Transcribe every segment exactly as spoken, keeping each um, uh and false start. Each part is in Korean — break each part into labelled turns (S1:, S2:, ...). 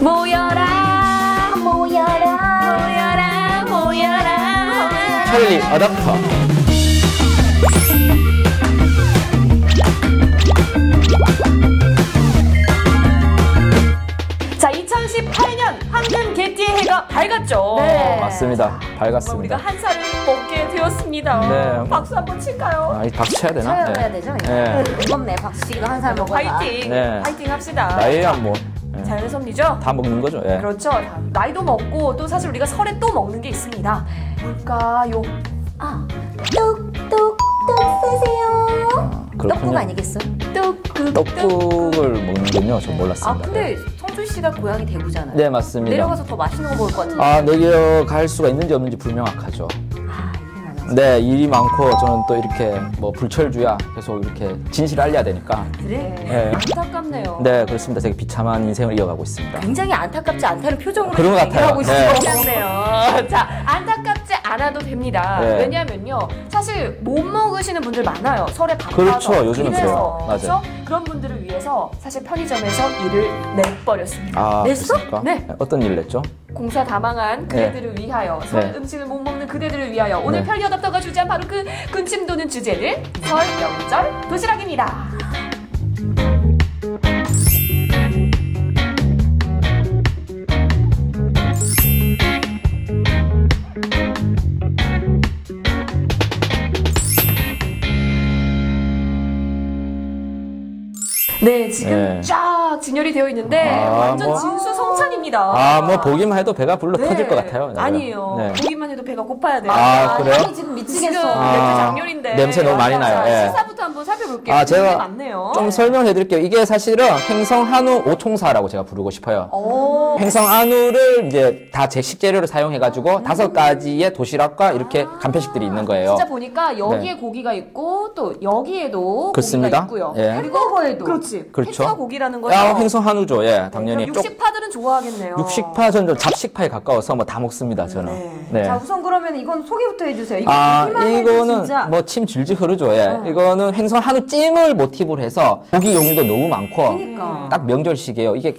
S1: 모여라 모여라 모여라 모여라
S2: 찰리 어댑터.
S1: 자, 이천십팔 년 황금 개띠의 해가 밝았죠.
S2: 네. 맞습니다. 밝았습니다.
S1: 우리가 한 살을 먹게 되었습니다.
S2: 네.
S1: 박수 한번 칠까요?
S2: 아, 박수 쳐야 되나?
S3: 쳐야
S2: 네.
S3: 되죠?
S2: 네.
S3: 무겁네. 박수치기도 한 살 먹어야.
S1: 파이팅!
S2: 네.
S1: 파이팅 합시다.
S2: 나이야 뭐. 네.
S1: 자연의 섭리죠?
S2: 다 먹는 거죠. 예.
S1: 그렇죠. 나이도 먹고 또 사실 우리가 설에 또 먹는 게 있습니다. 뭘까요?
S3: 아, 뚝뚝뚝 쓰세요.
S2: 그렇군요.
S3: 떡국 아니겠어?
S1: 떡국.
S2: 떡국을 먹는군요. 전 몰랐습니다.
S3: 아, 근데 성준 씨가 고향이 대구잖아요.
S2: 네, 맞습니다.
S3: 내려가서 더 맛있는 거 먹을 것 같은데.
S2: 아, 내려갈 수가 있는지 없는지 불명확하죠.
S3: 아, 일이 많아서.
S2: 네, 일이 많고 저는 또 이렇게 뭐 불철주야 계속 이렇게 진실을 알려야 되니까.
S3: 그래?
S2: 네.
S1: 안타깝네요.
S2: 네, 그렇습니다. 되게 비참한 인생을 이어가고 있습니다.
S3: 굉장히 안타깝지 않다는 표정으로
S2: 그런 것 같아요.
S3: 얘기하고
S2: 네.
S3: 있어요.
S1: 안타깝네요. 자, 안타깝지 않아도 됩니다.
S2: 네.
S1: 왜냐면요, 사실 못 먹으시는 분들 많아요. 설에 바빠서.
S2: 그렇죠. 요즘은
S1: 그래서.
S2: 그래요. 맞아요.
S1: 그래서 그런 분들을 위해서 사실 편의점에서 일을 내버렸습니다.
S2: 아,
S1: 냈어?
S2: 그렇습니까?
S1: 네.
S2: 어떤 일을 냈죠?
S1: 공사 다 망한 그대들을 위하여, 설
S2: 네.
S1: 음식을 못 먹는 그대들을 위하여 오늘
S2: 네.
S1: 편리어답터가 주제한 바로 그 군침 도는 주제는 설 명절 도시락입니다. 네, 지금
S2: 네.
S1: 쫙 진열이 되어 있는데
S2: 아,
S1: 완전
S2: 뭐.
S1: 진수성찬입니다.
S2: 아, 뭐 보기만 해도 배가 불러
S1: 네.
S2: 터질 것 같아요. 네.
S1: 아니에요.
S2: 네.
S1: 보기만 해도 배가 고파야 돼요.
S2: 아, 그래요?
S3: 향이 지금 미치겠어.
S1: 지금
S2: 아,
S1: 맥주 장렬인데
S2: 냄새 너무 많이 나요.
S1: 자,
S2: 예.
S1: 식사부터 한번 살펴볼게요.
S2: 아, 제가
S1: 되게 많네요.
S2: 좀 설명해 드릴게요. 이게 사실은 횡성 한우 오총사라고 제가 부르고 싶어요.
S1: 오.
S2: 횡성 한우를 이제 다 제 식재료를 사용해 가지고 다섯 가지의 도시락과 이렇게 간편식들이 있는 거예요.
S1: 진짜 보니까 여기에 고기가 있고 또 여기에도
S2: 그렇습니다.
S1: 고기가 있고요.
S2: 예.
S1: 그리고
S3: 햄버거에도.
S1: 그렇지.
S2: 그렇죠.
S1: 햇과 고기라는 거죠.
S2: 야, 횡성 한우죠. 예, 당연히. 쪽-
S1: 육식파들은 좋아하겠네요.
S2: 육식파 저는 좀 잡식파에 가까워서 뭐 다 먹습니다. 저는.
S1: 네.
S2: 네.
S3: 자, 우선 그러면 이건 소개부터 해주세요. 이거
S2: 아,
S3: 보기만 해도
S2: 이거는
S3: 진짜.
S2: 뭐 침 질질 흐르죠. 예.
S1: 어.
S2: 이거는 횡성 한우 찜을 모티브로 해서 고기 종류도 너무 많고
S3: 그러니까.
S2: 딱 명절식이에요. 이게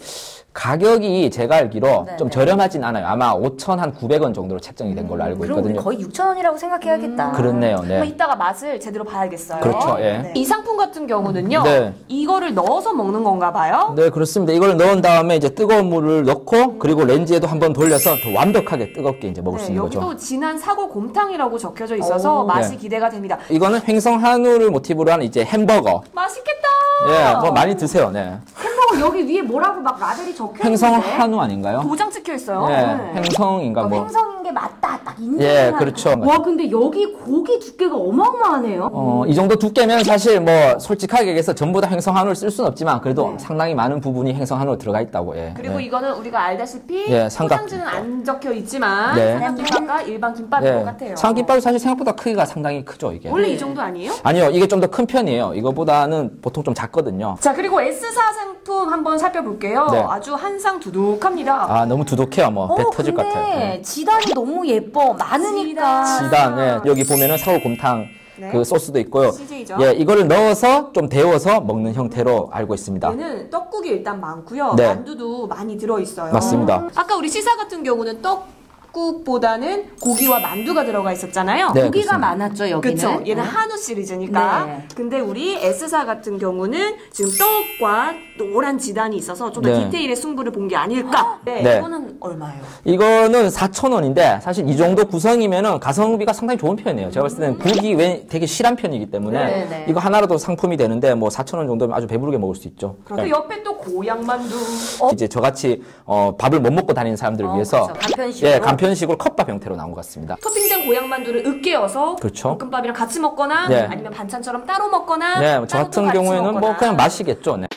S2: 가격이 제가 알기로
S3: 네,
S2: 좀
S3: 네.
S2: 저렴하진 않아요. 아마 오천구백 원 정도로 책정이 된 걸로 알고
S3: 그럼 우리
S2: 있거든요.
S3: 거의 육천 원이라고 생각해야겠다.
S2: 그렇네요.
S1: 한번
S2: 네.
S1: 이따가 맛을 제대로 봐야겠어요.
S2: 그렇죠. 예.
S3: 네.
S1: 이 상품 같은 경우는요.
S2: 네.
S1: 이거를 넣어서 먹는 건가 봐요.
S2: 네, 그렇습니다. 이걸 넣은 다음에 이제 뜨거운 물을 넣고 그리고 렌즈에도 한번 돌려서 더 완벽하게 뜨겁게 이제 먹을 수
S1: 네,
S2: 있는
S1: 여기도
S2: 거죠.
S1: 진한 사골 곰탕이라고 적혀져 있어서
S3: 오.
S1: 맛이
S2: 네.
S1: 기대가 됩니다.
S2: 이거는 횡성 한우를 모티브로 한 이제 햄버거.
S1: 맛있겠다.
S2: 예, 뭐 많이 드세요. 네.
S3: 햄버거 여기 위에 뭐라고 막 라벨이 적혀 있는데.
S2: 횡성 한우 아닌가요?
S1: 도장 찍혀 있어요.
S2: 네,
S1: 네.
S2: 횡성인가 뭐.
S3: 횡성인 게 맞다. 딱 인증.
S2: 예, 그렇죠.
S3: 와, 근데 여기 고기 두께가 어마어마하네요.
S2: 어, 이 정도 두께면 사실 뭐 솔직하게 얘기해서 전부 다 횡성 한우를 쓸 수는 없지만 그래도
S1: 네.
S2: 상당히 많은 부분이 횡성 한우로 들어가 있다고. 예.
S1: 그리고
S2: 예.
S1: 이거는 우리가 알다시피
S2: 예, 삼각-
S1: 포장지는 안 적혀 있지만
S2: 네.
S1: 삼각김밥과 일반 김밥인 것
S2: 예.
S1: 같아요.
S2: 삼각김밥이 사실 생각보다 크기가 상당히 크죠, 이게.
S1: 원래 이 정도 아니에요?
S2: 아니요, 이게 좀 더 큰 편이에요. 이거보다는 보통 좀 작거든요.
S1: 자, 그리고 에스사 상품 한번 살펴볼게요.
S2: 네.
S1: 아주 한상 두둑합니다.
S2: 아, 너무 두둑해요. 뭐, 배
S3: 어,
S2: 터질 것
S3: 근데
S2: 같아요. 예.
S3: 지단이 너무 예뻐. 많으니까.
S1: 지단.
S2: 지단, 예. 여기 보면은 사골곰탕
S1: 네.
S2: 그 소스도 있고요.
S1: 씨제이죠.
S2: 예, 이거를 넣어서 좀 데워서 먹는 형태로 알고 있습니다.
S1: 얘는 떡국이 일단 많고요.
S2: 네.
S1: 만두도 많이 들어있어요.
S2: 맞습니다.
S1: 아까 우리 시사 같은 경우는 떡국보다는 고기와 만두가 들어가 있었잖아요.
S2: 네,
S3: 고기가
S2: 그렇습니다.
S3: 많았죠, 여기는.
S1: 그쵸. 얘는
S3: 네.
S1: 한우 시리즈니까.
S3: 네.
S1: 근데 우리 S사 같은 경우는 지금 떡과 노란 지단이 있어서 좀 더
S2: 네.
S1: 디테일의 승부를 본 게 아닐까. 네.
S2: 네.
S1: 이거는 얼마예요?
S2: 이거는 사천 원인데 사실 이 정도 구성이면은 가성비가 상당히 좋은 편이에요. 제가 봤을 때는 국이 왜 되게 실한 편이기 때문에
S3: 네, 네.
S2: 이거 하나라도 상품이 되는데 뭐 사천 원 정도면 아주 배부르게 먹을 수 있죠.
S1: 그리고
S2: 네.
S1: 옆에 또 고향만두.
S2: 이제 저같이 어, 밥을 못 먹고 다니는 사람들을
S3: 어,
S2: 위해서
S3: 그렇죠. 간편식으로.
S2: 예, 간편식으로 컵밥 형태로 나온 것 같습니다.
S1: 토핑된 고향만두를 으깨어서
S2: 그렇죠.
S1: 볶음밥이랑 같이 먹거나
S2: 네.
S1: 아니면 반찬처럼 따로 먹거나
S2: 네, 저
S1: 따로 또
S2: 같은
S1: 같이
S2: 경우에는 뭐
S1: 먹거나.
S2: 그냥 맛이겠죠. 네.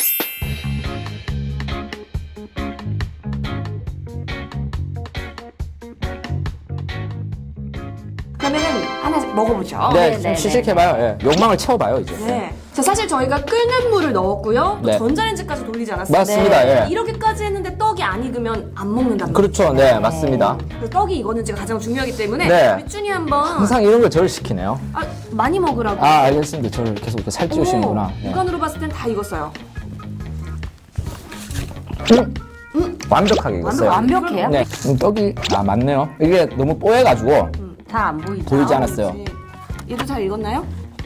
S1: 그러면은 하나씩 먹어보죠.
S2: 네,
S3: 네,
S2: 좀
S3: 네,
S2: 시식해봐요. 예. 욕망을 채워봐요, 이제.
S1: 네. 자, 사실 저희가 끓는 물을 넣었고요. 또
S2: 네.
S1: 전자레인지까지 돌리지 않았어요.
S2: 맞습니다.
S1: 네.
S2: 예.
S1: 이렇게,까지 했는데 떡이 안 익으면 안 먹는답니다.
S2: 그렇죠. 네, 맞습니다.
S1: 그래서 떡이 익었는 지가 가장 중요하기 때문에
S2: 네.
S1: 우리 쭈니 한번
S2: 항상 이런 걸 저를 시키네요.
S1: 아, 많이 먹으라고.
S2: 아, 알겠습니다. 저를 계속 이렇게 살찌우시는구나.
S1: 오,
S2: 네.
S1: 육안으로 봤을 땐 다 익었어요.
S2: 음.
S1: 음,
S2: 완벽하게 익었어요.
S3: 완벽해요?
S2: 네, 음, 떡이 아 맞네요. 이게 너무 뽀해가지고
S3: 잘 안 보이죠?
S2: 보이지 않았어요.
S1: 얘도 잘 익었나요?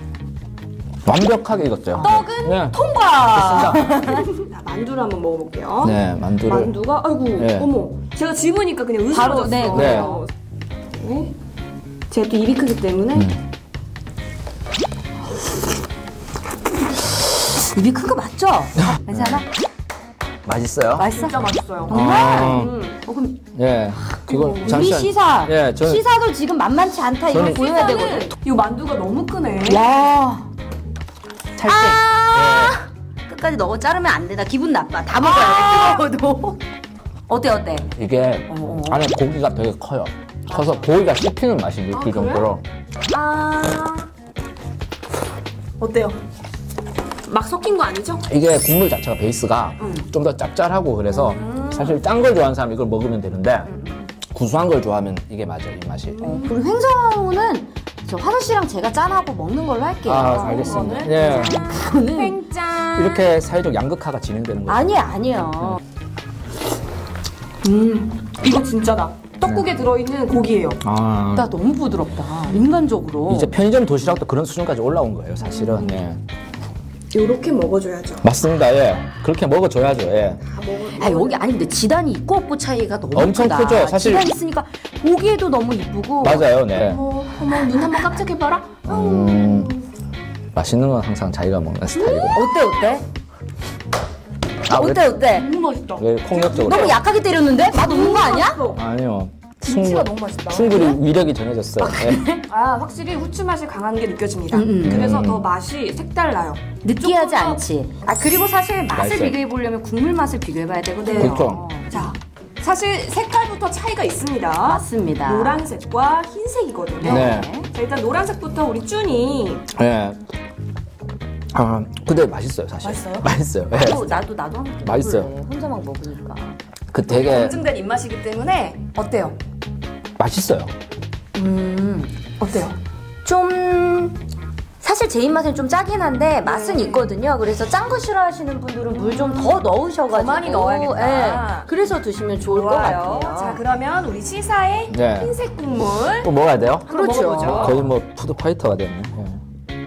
S2: 완벽하게 익었어요.
S3: 떡은
S2: 네.
S3: 통과!
S2: 됐습니다.
S1: 자, 만두를 한번 먹어볼게요.
S2: 네, 만두를.
S1: 만두가 아이고
S2: 네.
S1: 어머 제가 집으니까 그냥
S3: 바로,
S1: 으스러졌어.
S3: 네,
S1: 네. 제가 또 입이 크기 때문에
S2: 음.
S3: 입이 큰 거 맞죠? 괜찮아?
S2: 맛있어요?
S3: 맛있어?
S1: 진짜 맛있어요.
S3: 정말?
S2: 아,
S1: 음.
S3: 어, 그럼
S2: 예, 그건
S3: 우리
S2: 잠시만.
S3: 시사
S2: 예, 저는
S3: 시사도 지금 만만치 않다 이걸
S2: 저는
S3: 보여야 되거든.
S1: 이 만두가 너무 크네.
S3: 와.
S2: 찰때
S3: 아 끝까지 너무 자르면 안 돼. 나 기분 나빠. 다 먹어야 돼. 뜨거워도. 어때 어때?
S2: 이게
S3: 어.
S2: 안에 고기가 되게 커요. 커서 고기가 씹히는 맛이 느낄
S1: 그래요?
S2: 정도로.
S1: 아 어때요? 막 섞인 거 아니죠?
S2: 이게 국물 자체가 베이스가 좀 더 짭짤하고 그래서 사실 짠 걸 좋아하는 사람은 이걸 먹으면 되는데 구수한 걸 좋아하면 이게 맞아요, 이 맛이.
S3: 어, 그리고 횡성우는 저 화서 씨랑 제가 짠하고 먹는 걸로 할게요.
S2: 아, 알겠습니다.
S1: 그거는?
S2: 예.
S3: 저는
S1: 횡짠.
S2: 이렇게 사회적 양극화가 진행되는 거죠.
S3: 아니 아니요.
S1: 음 이거 진짜다. 떡국에 들어있는 고기예요.
S2: 아.
S3: 나 너무 부드럽다. 인간적으로.
S2: 이제 편의점 도시락도 그런 수준까지 올라온 거예요, 사실은. 예.
S1: 요렇게 먹어줘야죠.
S2: 맞습니다, 예. 그렇게 먹어줘야죠, 예.
S1: 다 먹어.
S3: 아 여기 아니 근데 지단이 있고 없고 차이가 너무
S2: 엄청
S3: 크다.
S2: 크죠, 사실.
S3: 지단 있으니까 보기에도 너무 이쁘고.
S2: 맞아요, 네.
S1: 어머 어머 눈 한번 깜짝해봐라.
S2: 음, 맛있는 건 항상 자기가 먹는 스타일이고.
S3: 어때 어때?
S2: 아,
S3: 어때 어때?
S1: 너무 맛있다.
S2: 왜, 왜 폭력적으로?
S3: 너무 약하게 때렸는데? 맛 없는 거 아니야?
S1: 맛있어.
S2: 아니요.
S1: 김치가
S2: 충분,
S1: 너무 맛있다.
S2: 충분히 위력이 정해졌어요. 예.
S1: 아 확실히 후추 맛이 강한 게 느껴집니다.
S3: 음, 음.
S1: 그래서 더 맛이 색달라요.
S3: 느끼하지
S1: 조금 더-
S3: 않지. 아 그리고 사실 맛을
S2: 맛있어요.
S3: 비교해 보려면 국물 맛을 비교해봐야 되거든요.
S2: 그렇죠.
S1: 자, 사실 색깔부터 차이가 있습니다.
S3: 맞습니다.
S1: 노란색과 흰색이거든요.
S2: 네.
S1: 자, 일단 노란색부터 우리 쭈니.
S2: 예. 아, 근데 맛있어요, 사실.
S1: 맛있어요?
S2: 맛있어요. 예.
S3: 나도 나도 나도 한번
S2: 맛있어요.
S3: 먹어볼래. 혼자 막 먹으니까.
S2: 그 되게
S1: 검증된 입맛이기 때문에 어때요?
S2: 맛있어요.
S3: 음
S1: 어때요?
S3: 좀 사실 제 입맛은 좀 짜긴 한데 맛은
S1: 음.
S3: 있거든요. 그래서 짠 거 싫어하시는 분들은 물 좀 더 넣으셔가지고
S1: 더 많이 넣어야겠다.
S3: 예. 그래서 드시면 좋을 것
S1: 좋아요.
S3: 같아요.
S1: 자, 그러면 우리 시사의
S2: 네.
S1: 흰색 국물
S2: 또 먹어야 돼요?
S1: 한번
S3: 그렇죠.
S1: 먹어보죠.
S2: 거의 뭐 푸드 파이터가 됐네. 예.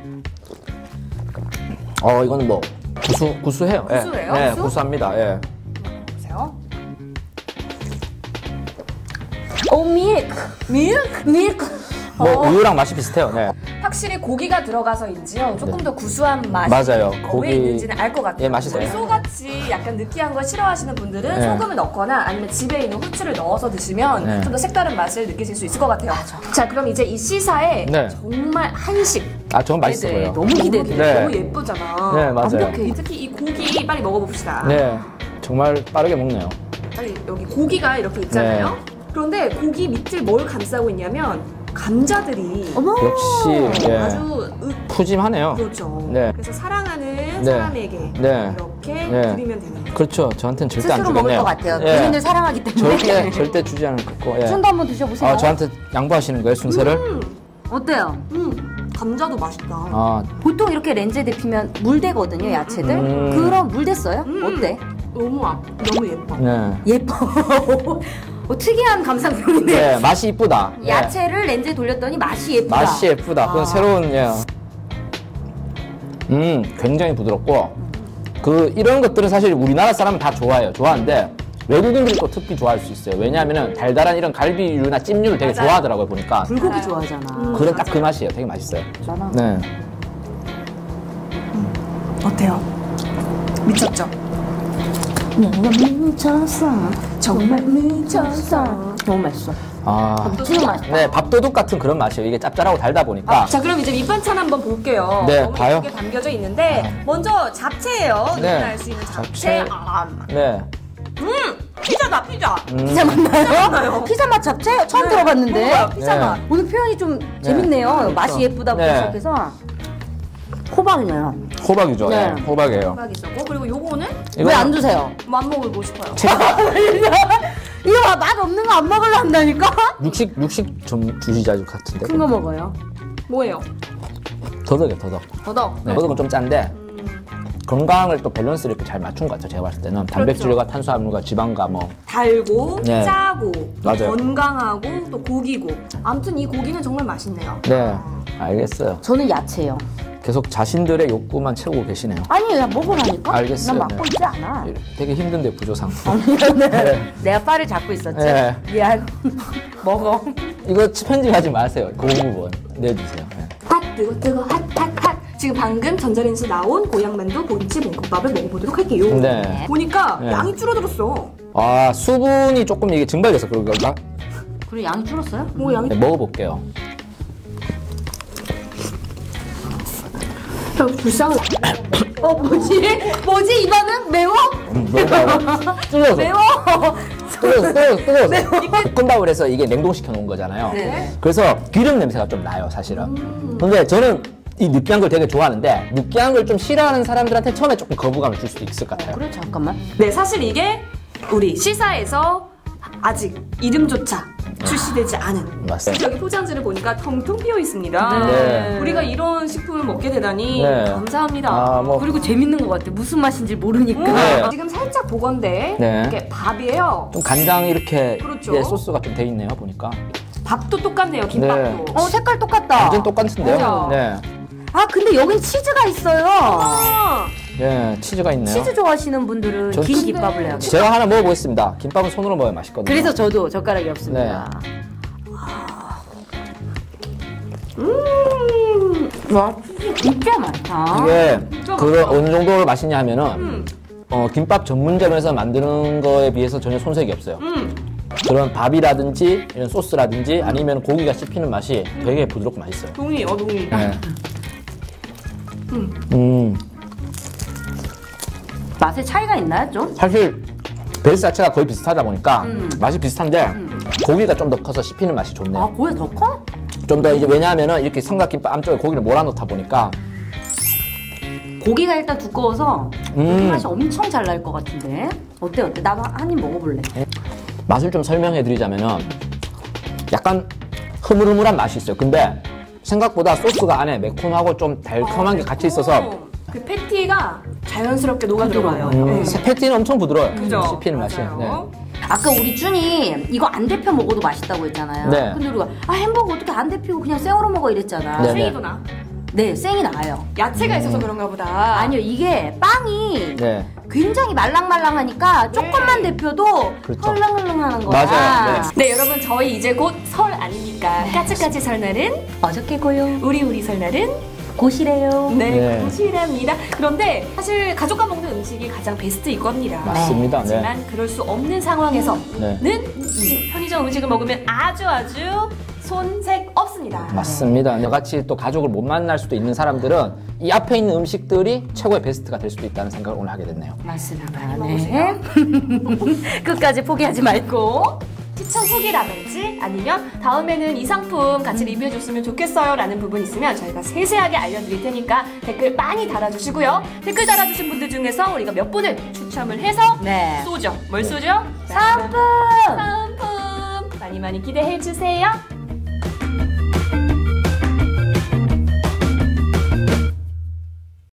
S2: 어, 이거는 뭐 구수 구수해요. 예.
S1: 구수해요?
S2: 네,
S1: 구수?
S2: 구수합니다. 예.
S1: 보세요.
S3: 오 밀크 밀크 밀크.
S2: 뭐
S1: 어.
S2: 우유랑 맛이 비슷해요. 네.
S1: 확실히 고기가 들어가서인지요 조금 더 구수한 맛이
S2: 맞아요.
S1: 왜
S2: 고기-
S1: 있는지는 알 것 같아요.
S2: 예, 맛있어요.
S1: 우리 소같이 약간 느끼한 걸 싫어하시는 분들은
S2: 네.
S1: 소금을 넣거나 아니면 집에 있는 후추를 넣어서 드시면
S2: 네.
S1: 좀 더 색다른 맛을 느끼실 수 있을 것 같아요. 자, 그럼 이제 이 시사에
S2: 네.
S1: 정말 한식
S2: 아, 저는 맛있어
S3: 네,
S2: 보여요.
S3: 너무 기대돼.
S2: 네.
S1: 너무 예쁘잖아.
S2: 네, 맞아요.
S1: 완벽해. 특히 이 고기 빨리 먹어봅시다.
S2: 네. 정말 빠르게 먹네요.
S1: 빨리 여기 고기가 이렇게 있잖아요.
S2: 네.
S1: 그런데 고기 밑을 뭘 감싸고 있냐면 감자들이
S3: 어머.
S2: 역시 예.
S1: 아주 으,
S2: 푸짐하네요.
S1: 그렇죠.
S2: 네.
S1: 그래서 사랑하는
S2: 네.
S1: 사람에게
S2: 네.
S1: 이렇게
S2: 네.
S1: 드리면 되는 거예요.
S2: 그렇죠. 저한테는 절대 안
S3: 스스로 먹을
S2: 주겠네요.
S3: 것 같아요.
S2: 예.
S3: 본인들 사랑하기 때문에.
S2: 절대 절대 주지 않을 거고. 예.
S3: 순도 한번 드셔보세요.
S2: 아, 저한테 양보하시는 거예요, 순서를?
S1: 음,
S3: 어때요?
S1: 음, 감자도 맛있다.
S2: 아,
S3: 보통 이렇게 렌즈에 데피면 물대거든요, 야채들.
S2: 음.
S3: 그럼 물댔어요?
S1: 음.
S3: 어때?
S1: 너무 아, 너무 예뻐.
S2: 네.
S3: 예뻐. 어, 특이한 감상평이네.
S2: 네, 맛이 이쁘다. 예.
S3: 야채를 렌즈에 돌렸더니 맛이 예쁘다.
S2: 맛이 예쁘다. 그건
S3: 아.
S2: 새로운 예. 음, 굉장히 부드럽고 그 이런 것들은 사실 우리나라 사람은 다 좋아해요. 좋아하는데 외국인들이 또 특히 좋아할 수 있어요. 왜냐하면은 달달한 이런 갈비류나 찜류를 되게
S1: 맞아요.
S2: 좋아하더라고요, 보니까.
S3: 불고기
S1: 맞아요.
S3: 좋아하잖아.
S1: 음.
S2: 그런 딱 그 맛이에요. 되게 맛있어요.
S3: 맞잖아.
S2: 네.
S1: 어때요? 미쳤죠?
S3: 내가 미쳤어. 정말 미쳤어. 너무 맛있어.
S2: 아.
S3: 지금 맛있다.
S2: 네, 밥도둑 같은 그런 맛이에요. 이게 짭짤하고 달다 보니까.
S1: 자, 그럼 이제 밑반찬 한번 볼게요.
S2: 네,
S1: 너무
S2: 봐요.
S1: 예쁘게 담겨져 있는데 먼저 잡채예요.
S2: 네.
S1: 누구나 알 수 있는 잡채.
S2: 잡채.
S1: 아,
S2: 네.
S1: 음, 피자다 피자.
S3: 피자 맞나요?
S1: 맞나요?
S3: 피자 맛 잡채? 처음
S1: 네,
S3: 들어봤는데.
S1: 먹어요, 피자
S2: 네.
S1: 맛.
S3: 오늘 표현이 좀 재밌네요.
S2: 그렇죠.
S3: 맛이 예쁘다부터
S2: 네.
S3: 시작해서. 호박이네요.
S2: 호박이죠.
S3: 네.
S2: 네. 호박이에요.
S1: 호박이 있었고 그리고 요거는
S2: 이거
S3: 왜 안 드세요?
S1: 맛먹고 싶어요.
S3: 이거 맛 없는 거 안 먹으려 한다니까?
S2: 육식 육식 좀 주시자 같은데.
S3: 큰 거 먹어요.
S1: 뭐예요?
S2: 더덕이요, 더덕.
S1: 더덕.
S2: 네, 더덕은 좀 짠데 건강을 또 밸런스를 이렇게 잘 맞춘 것 같아요. 제가 봤을 때는 단백질과 탄수화물과 지방과 뭐
S1: 달고
S2: 네.
S1: 짜고
S2: 맞아요.
S1: 건강하고 또 고기고 아무튼 이 고기는 정말 맛있네요.
S2: 네, 알겠어요.
S3: 저는 야채요.
S2: 계속 자신들의 욕구만 채우고 계시네요.
S3: 아니, 야, 먹으라니까?
S2: 알겠어요.
S3: 난 막고
S2: 네.
S3: 있지 않아.
S2: 되게 힘든데 부조상.
S3: 네. 내가 빨을 잡고 있었지?
S2: 네.
S3: 미안. 먹어.
S2: 이거 편집하지 마세요. 그 부분 내주세요. 네.
S1: 핫 뜨거 뜨거 핫핫핫 지금 방금 전자레인지 나온 고향만두 보리치 볶음밥을 먹어보도록 할게요.
S2: 네.
S1: 보니까
S2: 네.
S1: 양이 줄어들었어.
S2: 아 수분이 조금 이게 증발돼서 그런 건가?
S3: 그래, 양이 줄었어요?
S1: 뭐 양이
S2: 네, 먹어볼게요.
S1: 야, 불쌍해.
S3: 어, 뭐지? 뭐지, 이거는? 매워?
S2: 음, 매워. 찔러서.
S3: 매워?
S2: 뜨거워서 뜨거워서 뜨거워서 볶음밥을 해서 이게 냉동시켜 놓은 거잖아요.
S3: 네.
S2: 그래서 기름 냄새가 좀 나요 사실은. 근데 저는 이 느끼한 걸 되게 좋아하는데 느끼한 걸 좀 싫어하는 사람들한테 처음에 조금 거부감을 줄 수도 있을 것 같아요.
S3: 그래, 잠깐만.
S1: 네, 사실 이게 우리 시사에서 아직 이름조차 출시되지 않은
S2: 맞습니다.
S1: 여기 포장지를 보니까 텅텅 비어 있습니다.
S2: 네.
S1: 우리가 이런 식품을 먹게 되다니
S2: 네.
S1: 감사합니다.
S2: 아, 뭐.
S3: 그리고 재밌는 것 같아. 무슨 맛인지 모르니까.
S2: 네.
S1: 지금 살짝 보건데
S2: 네.
S1: 이게 밥이에요.
S2: 좀 간장 이렇게
S1: 그렇죠.
S2: 예, 소스가 좀 돼 있네요 보니까.
S1: 밥도 똑같네요. 김밥도.
S2: 네.
S3: 어, 색깔 똑같다.
S2: 완전 똑같은데요?
S1: 그죠?
S2: 네.
S3: 아, 근데 여긴 치즈가 있어요.
S1: 아,
S2: 예, 치즈가 있네요.
S3: 치즈 좋아하시는 분들은
S2: 전
S3: 긴
S2: 치즈-
S3: 김밥을 해야겠다.
S2: 제가 하나 먹어보겠습니다. 김밥은 손으로 먹어야 맛있거든요.
S3: 그래서 저도 젓가락이 없습니다.
S1: 음.
S3: 와, 치즈 진짜 많다.
S2: 이게
S1: 진짜
S2: 그
S1: 맛있다.
S2: 어느 정도로 맛있냐 하면은
S1: 음.
S2: 어, 김밥 전문점에서 만드는 거에 비해서 전혀 손색이 없어요.
S1: 음.
S2: 그런 밥이라든지 이런 소스라든지 아니면 고기가 씹히는 맛이 되게 부드럽고 맛있어요.
S1: 동의, 어 동의.
S2: 네.
S1: 음.
S2: 음,
S3: 맛의 차이가 있나요, 좀?
S2: 사실 베이스 자체가 거의 비슷하다 보니까
S3: 음.
S2: 맛이 비슷한데 고기가 좀 더 커서 씹히는 맛이
S3: 아,
S2: 좋네요.
S3: 고기 더 커?
S2: 좀 더 이제 왜냐하면은 이렇게 삼각김밥 안쪽에 고기를 몰아넣다 보니까
S3: 고기가 일단 두꺼워서
S2: 음.
S3: 그 맛이 엄청 잘 날 것 같은데. 어때, 어때? 나도 한 입 먹어볼래.
S2: 맛을 좀 설명해 드리자면은 약간 흐물흐물한 맛이 있어요. 근데 생각보다 소스가 안에 매콤하고 좀 달콤한 게 같이 있어서
S1: 어, 그 패티가 자연스럽게 녹아 들어가요.
S2: 음,
S1: 네.
S2: 패티는 엄청 부드러워요.
S1: 그죠?
S2: 씹히는 맛이. 네.
S1: 맞아요.
S3: 아까 우리 준이 이거 안 데펴 먹어도 맛있다고 했잖아요.
S2: 네.
S3: 근데 우리가 아 햄버거 어떻게 안 데피고 그냥 생으로 먹어 이랬잖아.
S2: 네.
S1: 생이도 나.
S3: 네, 생이 나아요.
S1: 야채가 있어서 그런가 보다.
S3: 아니요, 이게 빵이
S2: 네.
S3: 굉장히 말랑말랑하니까 조금만 데펴도
S2: 그렇죠.
S3: 헐렁헐렁하는 거야.
S2: 맞아요.
S1: 네, 여러분 저희 이제 곧 설 아닙니까? 까치까치 설날은
S3: 어저께 고요.
S1: 우리 우리 설날은
S3: 고시래요.
S1: 네,
S2: 네.
S1: 고시랍니다. 그런데 사실 가족과 먹는 음식이 가장 베스트일 겁니다.
S2: 맞습니다. 네.
S1: 하지만 그럴 수 없는 상황에서는
S2: 네.
S1: 이 편의점 음식을 먹으면 아주 아주 손색 없습니다.
S2: 맞습니다. 저같이 또 가족을 못 만날 수도 있는 사람들은 이 앞에 있는 음식들이 최고의 베스트가 될 수도 있다는 생각을 오늘 하게 됐네요.
S3: 맞습니다. 네. 끝까지 포기하지 말고.
S1: 추천 후기라든지 아니면 다음에는 이 상품 같이 리뷰해줬으면 좋겠어요 라는 부분 있으면 저희가 세세하게 알려드릴 테니까 댓글 많이 달아주시고요. 댓글 달아주신 분들 중에서 우리가 몇 분을 추첨을 해서
S3: 네.
S1: 쏘죠. 뭘 쏘죠?
S3: 상품!
S1: 상품 많이 많이 기대해주세요.